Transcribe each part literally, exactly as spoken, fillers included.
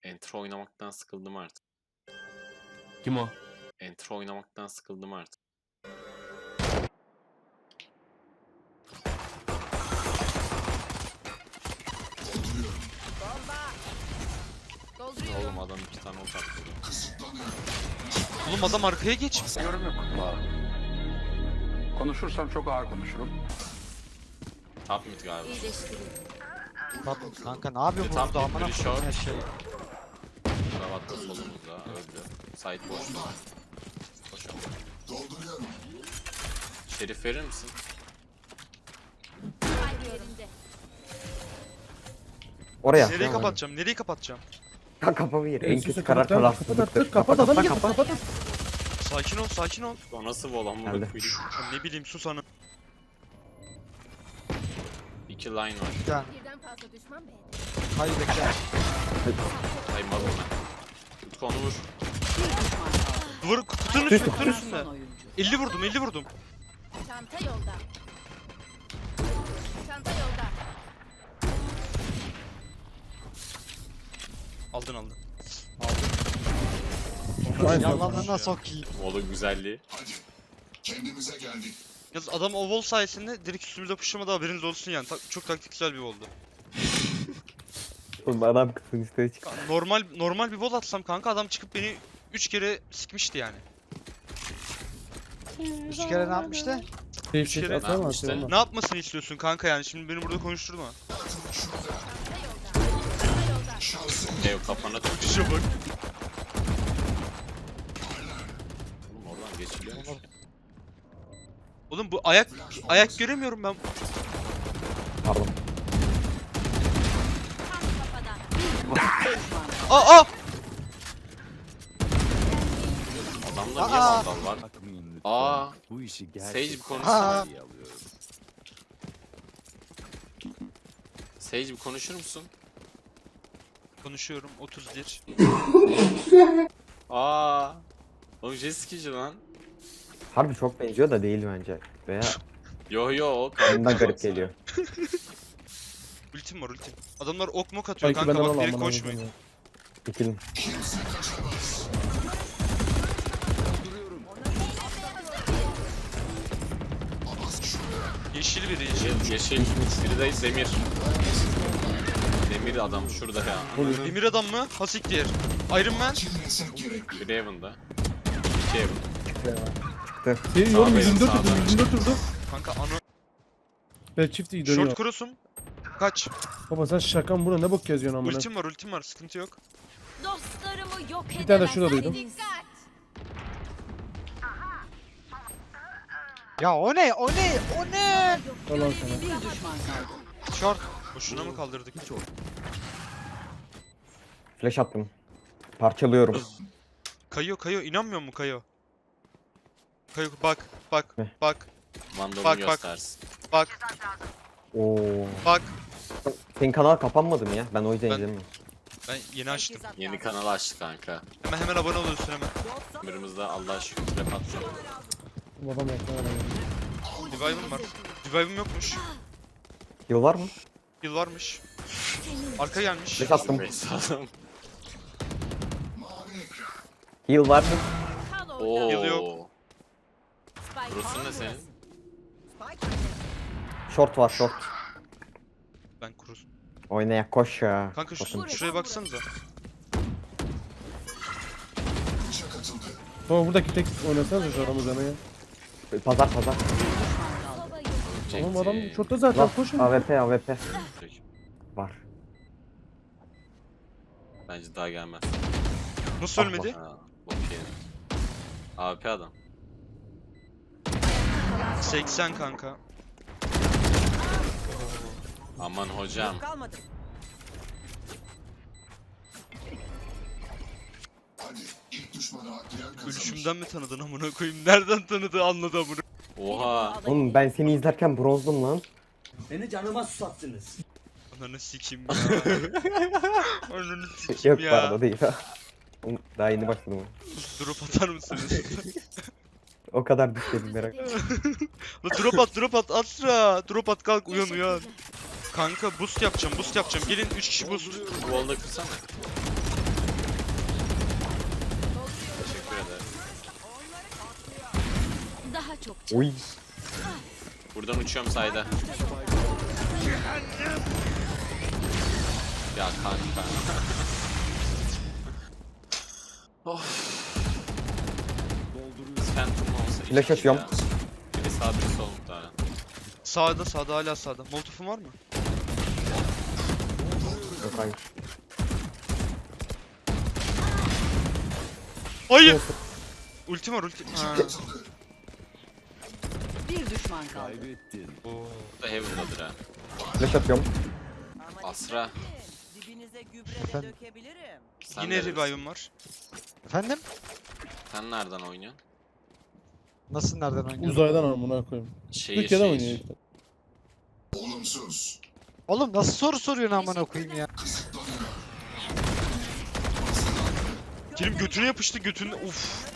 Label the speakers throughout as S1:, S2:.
S1: Entro oynamaktan sıkıldım artık.
S2: Kim o?
S1: Entro oynamaktan sıkıldım artık. Oğlum adam iki tane ult attı.
S3: Oğlum adam arkaya geç.
S4: Yorum yok. Konuşursam çok ağır konuşurum.
S1: Top mid galiba.
S5: Bak kanka ne yapıyor
S1: Tam
S5: burada amına
S1: bir
S5: koyayım
S1: short.
S5: her şey.
S1: Kravat da solumuzda öldü. Side boş. Koşalım. Şerif verir misin?
S6: Oraya.
S3: Nereyi kapatacağım? Nereyi kapatacağım?
S6: Kafamı yer. En
S2: Sus,
S6: kötü
S2: kapat
S6: karar
S2: lan,
S6: falan.
S2: kapat artık, kapat adam git, kapat.
S3: Sakin ol, sakin ol.
S1: O nasıl bu olan bunu
S6: Geldi.
S1: koyayım?
S3: Ya ne bileyim sus hanım.
S1: İki line var.
S5: Bir tane.
S7: Birden fazla düşman be.
S5: Hayır bekle.
S1: Saymadım ben. Utku onu vur.
S3: Duvar kutunun üstünde, kutunun üstünde. elli vurdum, elli vurdum.
S7: Çanta yolda. Çanta yolda.
S3: Aldın aldın.
S5: Yalanlarına sokayım.
S1: Oğlum güzelliği.
S3: Yalnız adam o wall sayesinde direkt üstümüze pushlamadı, haberiniz olsun yani. Ta- çok taktiksel bir oldu.
S6: Oğlum adam kısın üstüne çıktı.
S3: Normal normal bir wall atsam kanka adam çıkıp beni üç kere sikmişti yani.
S5: Üç kere ne yapmıştı?
S2: Şey
S3: Üç
S2: şey
S3: kere-
S2: atsana
S1: İşte.
S2: atsana.
S3: Ne yapmasını istiyorsun kanka yani şimdi beni burada konuşturma.
S7: Çanta yolda. Çanta yolda.
S1: Ev kafana tut.
S3: İşe bak.
S1: Oğlum oradan geçiliyor.
S3: Oğlum bu ayak ayak göremiyorum ben.
S6: Pardon.
S7: Tam kafadan.
S3: Aa aa!
S1: Adamda niye
S5: Aa!
S1: vandal var? Aa,
S8: Bu işi
S1: Sage bir
S8: gerçekten
S5: Aa!
S8: iyi alıyorum.
S1: Sage bir konuşur musun?
S3: Konuşuyorum otuz bir.
S1: Aa. Oğlum Jessica'cı lan.
S6: Harbi çok benziyor da değil bence. Veya
S1: Yo yo o
S6: ondan garip geliyor.
S3: Ultim var ultim. Adamlar ok mok atıyor
S2: Belki
S3: kanka
S2: benden
S3: bak
S2: al
S3: direkt
S2: amına
S3: koşmayın.
S2: koyayım.
S6: İkilim.
S3: Yeşil biri yeşil.
S1: Yeşil. Biri de Demir. Demir adam şurada ya.
S3: Demir adam mı? Hasiktir. Iron Man.
S1: Biri Heaven'da. İki Heaven.
S2: Şey
S1: Sağ
S2: yorum
S1: benim,
S2: yüzünde
S1: sağ
S2: durdu
S1: benim.
S2: yüzünde durdu.
S3: Kanka ano.
S2: Ben çift iyi dönüyor.
S3: Short cross'um. Kaç.
S2: Baba sen şakan buna ne bok yazıyorsun amına.
S3: Ultim var ultim var sıkıntı yok.
S7: Dostlarımı yok edemezsin.
S2: Bir tane de şurada duydum.
S7: Dikkat.
S5: Ya o ne? O ne? O ne?
S2: Allah'ım sana.
S5: Short.
S3: Boşuna mı kaldırdık?
S6: Flash attım. Parçalıyorum.
S3: Kayo kayo inanmıyor mu kayo? Kayo bak bak
S6: Ne?
S3: bak
S1: Vandal'ı
S3: Bak, bak.
S1: göstersin.
S3: bak
S6: Oo.
S3: bak.
S6: Senin kanal kapanmadı mı ya? Ben o yüzden
S3: Ben-
S6: izlemiyorum.
S3: Ben yeni açtım.
S1: Yeni kanal açtı kanka.
S3: Hemen hemen abone oluyorsun hemen.
S1: Ömrümüzde Allah şükür trap atacağım.
S2: Babam yaptı
S3: Revive'ım var. Revive'ım yokmuş.
S6: Yıl var mı?
S3: Yıl varmış. Arka gelmiş.
S6: Flash attım.
S1: Beyza'dan.
S6: Yıl var mı?
S7: Kal orada.
S1: Oo.
S3: Yılı yok.
S7: Spike
S1: Burası ne senin?
S6: Short var short.
S3: Ben kurus.
S6: Oynaya koş ya.
S3: Kanka şu,
S6: Bakın.
S3: şuraya baksanıza.
S2: Baba buradaki tek oynasanız şu aramızda ne ya?
S6: Pazar pazar.
S2: Tamam adam şortta zaten
S6: Lan
S2: koşun.
S6: A W P A W P. Var.
S1: Bence daha gelmez.
S3: Nasıl
S6: Ah,
S3: ölmedi?
S1: Ha, okey. A W P adam.
S3: seksen kanka.
S1: Aman hocam.
S3: Ölüşümden mi tanıdın amına koyayım? Nereden tanıdı anladı amına.
S1: Oha.
S6: Oğlum ben seni izlerken bronzdum lan.
S9: Beni canıma susattınız.
S3: Ananı sikeyim ya. Ananı sikeyim
S6: Yok
S3: ya.
S6: pardon değil ha. Oğlum, daha yeni başladım.
S3: Drop atar mısınız?
S6: O kadar düşmedim merak.
S3: La drop at drop at Asra. Drop at kalk uyan uyan. Kanka boost yapacağım boost yapacağım. Gelin üç kişi boost.
S1: Wall'da kırsana.
S6: Oy.
S1: Buradan uçuyorum sayda. Ya kanka. Of. Phantom olsa
S6: Flash
S1: iyiydi
S6: atıyorum.
S1: ya. Biri sağ biri sol muhtemelen.
S3: Sağda sağda hala sağda. Molotof'un var mı?
S6: Yok hayır.
S3: Hayır. Ultim var ultim. Ha.
S2: Bir düşman kaldı.
S3: Oo.
S1: Bu da Heaven'dadır ha.
S6: Flash atıyorum.
S1: Asra.
S4: Dibinize gübre de
S5: Efendim?
S4: dökebilirim.
S1: Sen
S3: Yine
S1: neredesin?
S3: revive'ım var.
S5: Efendim?
S1: Sen nereden oynuyorsun?
S5: Nasıl nereden oynuyorsun?
S2: Uzaydan amına koyayım.
S1: Şehir
S2: Türkiye'de oynuyor
S1: şehir.
S2: işte.
S5: Oğlum nasıl soru soruyorsun amına koyayım ya?
S3: Kerim götüne yapıştı götüne. Uf.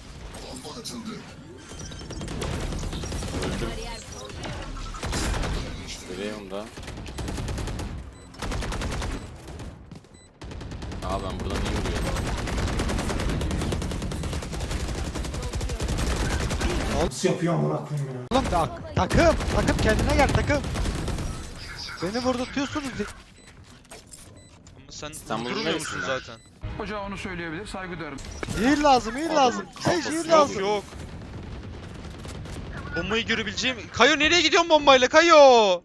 S1: Öldüm. Göreyim da. Aa ben buradan iyi vuruyorum.
S9: Nasıl yapıyor amına koyayım ya?
S5: Oğlum tak takım takım kendine gel takım. Beni vurdurtuyorsunuz.
S3: Ama sen
S1: İstanbul'un
S3: durmuyor musun
S1: neresinden?
S3: zaten?
S8: Hoca onu söyleyebilir, saygı duyarım.
S5: Heal lazım heal lazım. Hey heal
S3: Yok
S5: lazım.
S3: yok. Bombayı görebileceğim. Kayo nereye gidiyorsun bombayla Kayo?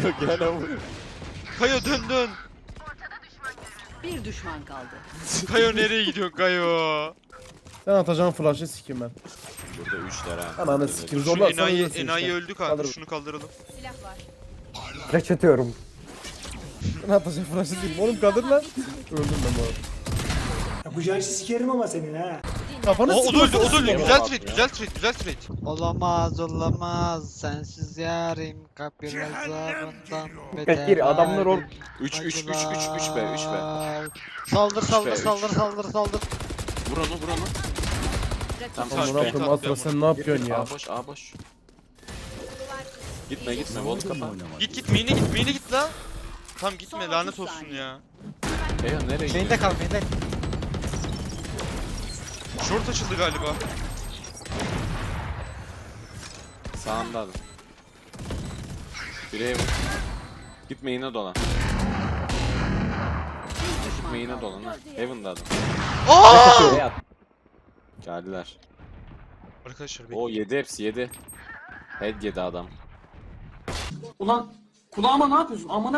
S3: Kayo dön dön.
S2: Bir düşman kaldı.
S3: Kayo nereye gidiyorsun Kayo?
S2: Sen atacağın flash'ı sikeyim ben.
S1: Burada üçler ha.
S2: Ananı sikeyim
S3: Şu
S2: zorlarsan
S3: enayi,
S2: ölürsün
S3: enayi
S2: işte.
S3: öldü kanka.
S2: Kaldır.
S3: Şunu kaldıralım.
S7: Silah var.
S6: Flash atıyorum.
S2: Ben atacağım flash'ı değilim. Oğlum kaldır lan. Öldüm ben bu arada.
S9: Yapacağın işi sikerim ama senin ha.
S2: Kafanı
S3: O, o da öldü, o
S2: sıkıyorsun.
S3: da öldü.
S1: Sikeyim.
S3: Güzel
S1: Bak
S3: trade,
S1: ya.
S3: güzel trade, güzel trade.
S5: Olamaz olamaz sensiz yarim kapir azabından
S6: Bekir, adamlar or-
S1: üç üç üç üç üç be üç be.
S5: Saldır saldır
S1: üç.
S5: saldır saldır saldır.
S1: Vur onu vur onu. Tam
S3: Tamam,
S2: Amına
S1: kaç be.
S2: koyayım Asra sen ne yapıyorsun ya?
S1: A boş A boş. Gitme gitme volt kapa.
S3: Git git, main'e git, main'e git la. Tamam gitme, lanet olsun ya.
S1: Eyo nereye
S5: Main'de
S1: gidiyor?
S5: kal main'de.
S3: Short açıldı galiba.
S1: Sağında adam. Biri Heaven. Gitme yine dolan. Gitme yine dolan ha. Heaven'da adam.
S3: Aa!
S1: Nereye at? Geldiler.
S3: Arkadaşlar
S1: O
S3: bekleyin.
S1: yedi hepsi yedi. Head yedi adam.
S9: Ulan kulağıma ne yapıyorsun? Amına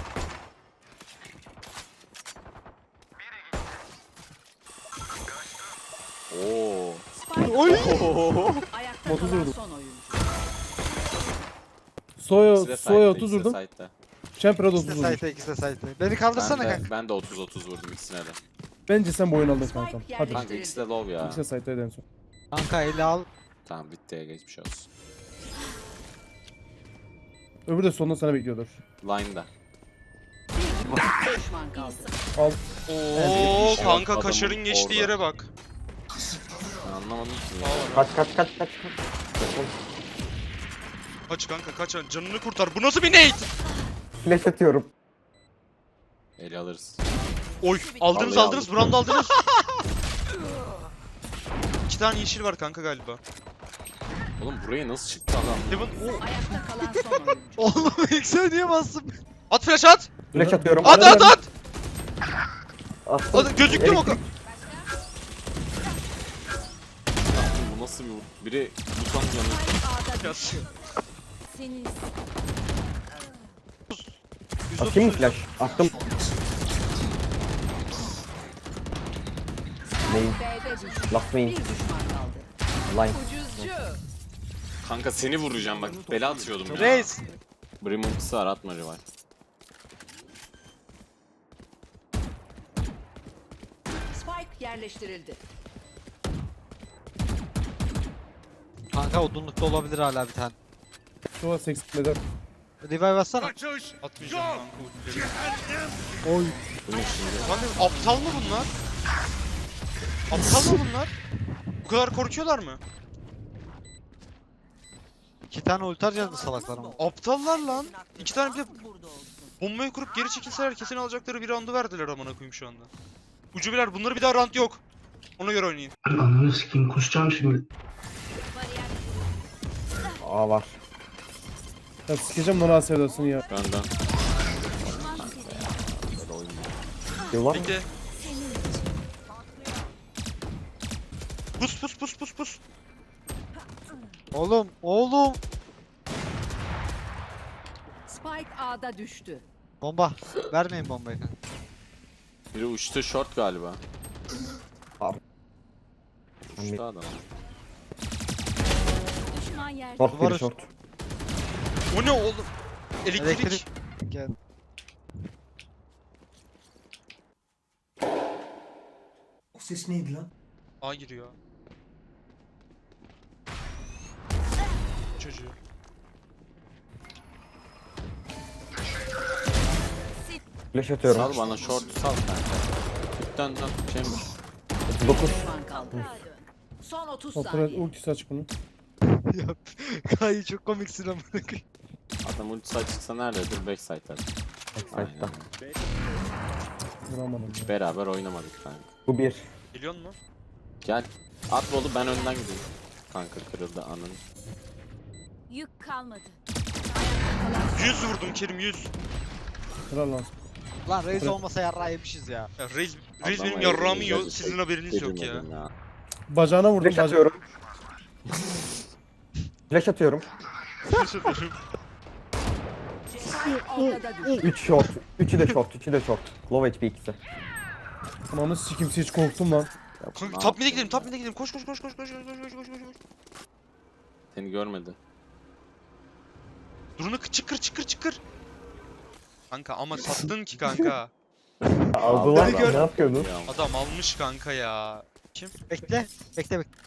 S1: Oo.
S5: Oy.
S2: Ayakta kalan son oyuncu. Soya,
S1: İkisi de
S2: Soya
S1: side'de,
S2: otuz
S1: ikisi de
S2: vurdum.
S1: side'de.
S2: Champer'a da
S5: İkisi
S2: otuz
S5: de
S2: vurdum.
S5: site'e ikisi de site'e. Beni kaldırsana
S1: Ben de,
S5: kanka.
S1: ben de otuz otuz vurdum ikisine de.
S2: Bence sen bu oyunu aldın kankam. Hadi.
S1: Kanka ikisi de low ya.
S2: İkisi de site'daydı en son.
S5: Kanka eli al.
S1: Tamam bitti geçmiş olsun.
S2: Öbürü de sonunda sana bekliyordur.
S1: Line'da.
S2: Düşman kaldı.
S3: Oo
S1: Evet,
S3: kanka
S1: adamın
S3: kaşarın geçtiği
S1: orada.
S3: yere bak.
S1: Ben anlamadım ki.
S6: Kaç kaç kaç kaç. kaç.
S3: Kaç kanka kaç, canını kurtar. Bu nasıl bir nade?
S6: Flash atıyorum.
S1: Eli alırız.
S3: Oy aldınız
S1: Vallahi
S3: aldınız, brand aldınız. İki tane yeşil var kanka galiba.
S1: Oğlum buraya nasıl çıktı adam?
S3: Heaven. Oo.
S2: Ayakta kalan son oyuncu.
S5: Oğlum ilk sen niye bastın?
S3: At flash at.
S6: Flash atıyorum.
S3: At at at.
S6: Attım.
S3: At gözüktü mü o kadar?
S1: Bu nasıl bir biri tutan yanı.
S7: Senin
S6: Atayım mı flash? Attım. Main.
S2: B'de düştü.
S6: Last main.
S2: Bir düşman kaldı.
S6: Line.
S1: Kanka seni vuracağım bak bela atıyordum ya.
S5: Reis.
S1: Brim ultisi var atma revive.
S2: Spike yerleştirildi.
S5: Kanka odunlukta olabilir hala bir tane.
S2: Soya seksen eder.
S5: Revive atsana.
S3: Atmayacağım kanka ultileri.
S2: Oy.
S1: Bu ne şimdi?
S3: Kanka aptal mı bunlar? Aptal mı bunlar? Bu kadar korkuyorlar mı?
S5: İki tane ulti harcadı salaklar ama.
S3: Aptallar lan. İki tane bir de
S4: Burada olsun.
S3: bombayı kurup geri çekilseler kesin alacakları bir roundu verdiler amına koyayım şu anda. Ucubeler bunları bir daha round yok. Ona göre oynayın.
S9: Ananı sikeyim kusacağım şimdi.
S7: bariyer
S6: Aa var.
S2: Ya sikeceğim lan sevdasını ya.
S1: Benden.
S6: Yıl var mı?
S3: Bekle. Pus pus pus pus pus.
S5: Oğlum, oğlum.
S4: Spike A'da düştü.
S5: Bomba. Vermeyin bombayı.
S1: Biri uçtu short galiba.
S6: Abi.
S1: Uçtu adam.
S7: Düşman yerde.
S6: Short
S5: Duvar
S6: bir
S5: üst-
S6: short.
S3: O ne oğlum? Elektrik.
S5: Elektrik. Gel.
S9: O ses neydi lan?
S3: A giriyor. Çocuğu.
S6: Flash atıyorum.
S1: Sal bana short sal kanka. Dön dön. Chamber.
S6: dokuz.
S4: Düşman kaldı. Son otuz
S2: Operat
S4: saniye.
S2: ultisi aç bunu.
S5: Ya Kayı çok komiksin amına koyayım.
S1: Adam ultisi açıksa nerededir? Backside'da.
S6: Aynen.
S2: Vuramadım ya.
S1: Beraber oynamadık kanka.
S6: Bu bir.
S3: Biliyor musun?
S1: Gel. At bolu ben önden gideyim. Kanka kırıldı anın.
S7: Yük kalmadı.
S3: yüz vurdum Kerim yüz.
S2: Kral lan.
S5: Lan Reis olmasa yarrağı yemişiz ya.
S3: Ya Reis, Reis
S1: Adama
S3: benim yarrağımı
S1: elini
S3: yiyor.
S1: gözü
S3: Sizin
S1: tek-
S3: haberiniz yok ya.
S1: yedirmedim ya.
S2: Bacağına vurdum.
S6: Flash
S2: Baca
S6: atıyorum. Flash atıyorum.
S4: Spike ortada düştü.
S6: üç short. üçü de short. üçü de short. Low H P ikisi.
S2: Ananı sikimsi hiç korktum lan.
S3: Kanka top mid'e gidelim, top mid'e gidelim. Koş koş koş koş koş koş koş koş koş koş.
S1: Seni görmedi.
S3: Drone'u çıkır çıkır çıkır. Kanka ama sattın ki kanka.
S6: Aldılar
S1: Adam-
S6: ya. Ne yapıyordun?
S1: Ya,
S3: Adam almış kanka ya. Kim?
S5: Bekle. Bekle bekle.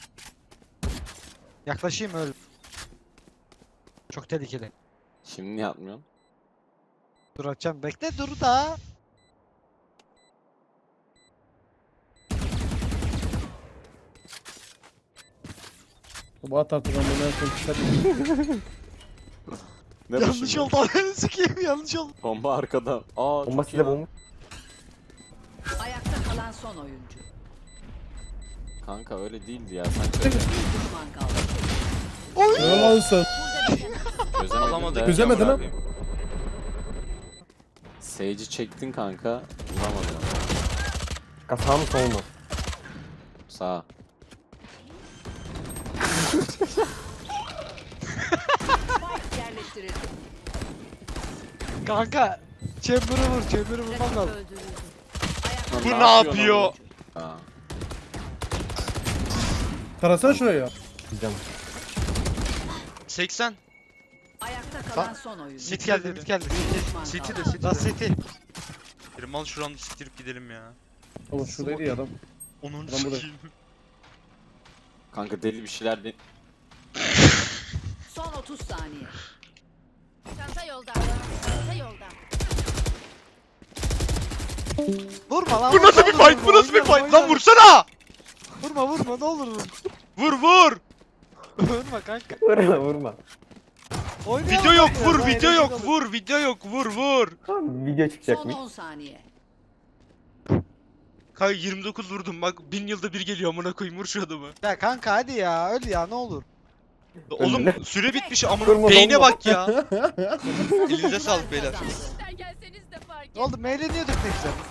S5: Yaklaşayım öl. Çok tehlikeli.
S1: Şimdi niye atmıyorsun?
S5: Dur açacağım. Bekle dur da.
S2: Bu at artık lan beni en son kısa-
S1: Ne bu
S5: Yanlış
S1: şimdi?
S5: oldu. Ananı sikeyim yanlış oldu.
S1: Bomba arkada. Aa
S6: Bomba
S1: çok iyi
S6: size
S1: lan.
S6: bomba.
S4: Ayakta kalan son oyuncu.
S1: Kanka öyle değildi ya. Sen
S4: Bir düşman kaldı.
S2: Ne lan sen?
S1: çözemedin
S3: Alamadık.
S1: de.
S2: Çözemedin ha?
S1: Sage'i çektin kanka. Vuramadın.
S6: Sağ mı sol mu?
S1: Sağ.
S4: Spike yerleştirildi.
S5: Kanka. Chamber'ı vur. Chamber'ı vurmam
S7: Rakip
S5: lazım.
S7: öldürüldü.
S1: Lan
S3: Bu ne
S1: yapıyorsun
S3: yapıyor?
S1: oğlum? Aa.
S2: Tarasana şuraya ya.
S6: Diyeceğim.
S3: seksen.
S4: Ayakta kalan son oyuncu.
S5: Mid geldi mid geldi.
S4: Bir düşman
S3: City
S4: kaldı.
S3: de City
S5: Last
S3: de.
S5: city.
S3: Kerim al şuranı siktirip gidelim ya.
S2: Oğlum şuradaydı ya adam.
S3: Onun
S2: Lan burada.
S3: sikeyim.
S1: Kanka deli bir şeyler de...
S4: Son otuz saniye.
S7: Çanta yolda. Çanta yolda.
S5: Vurma lan.
S3: Bu
S5: vurma,
S3: nasıl bir
S5: vurma,
S3: fight? Bu nasıl bir
S5: oynama,
S3: fight? Lan
S5: oynama.
S3: vursana!
S5: Vurma vurma ne olur vur.
S3: Vur vur!
S5: Vurma kanka.
S6: Vurma vurma.
S5: Oynayalım
S3: Video yok
S5: ya,
S3: vur,
S5: daha
S3: video
S5: eğlenceli
S3: yok
S5: olur.
S3: vur, video yok vur vur.
S6: Tamam video
S4: Son
S6: çıkacakmış.
S4: on saniye.
S3: Kanka yirmi dokuz vurdum bak bin yılda bir geliyor amına koyayım vur şu adamı.
S5: Ya kanka hadi ya öl ya ne olur.
S3: Oğlum süre bitmiş amına
S6: Durma,
S3: beyne
S6: durma.
S3: bak ya. Elinize sağlık beyler.
S7: Sizden gelseniz de fark
S5: Ne oldu? Eğleniyorduk ne güzel.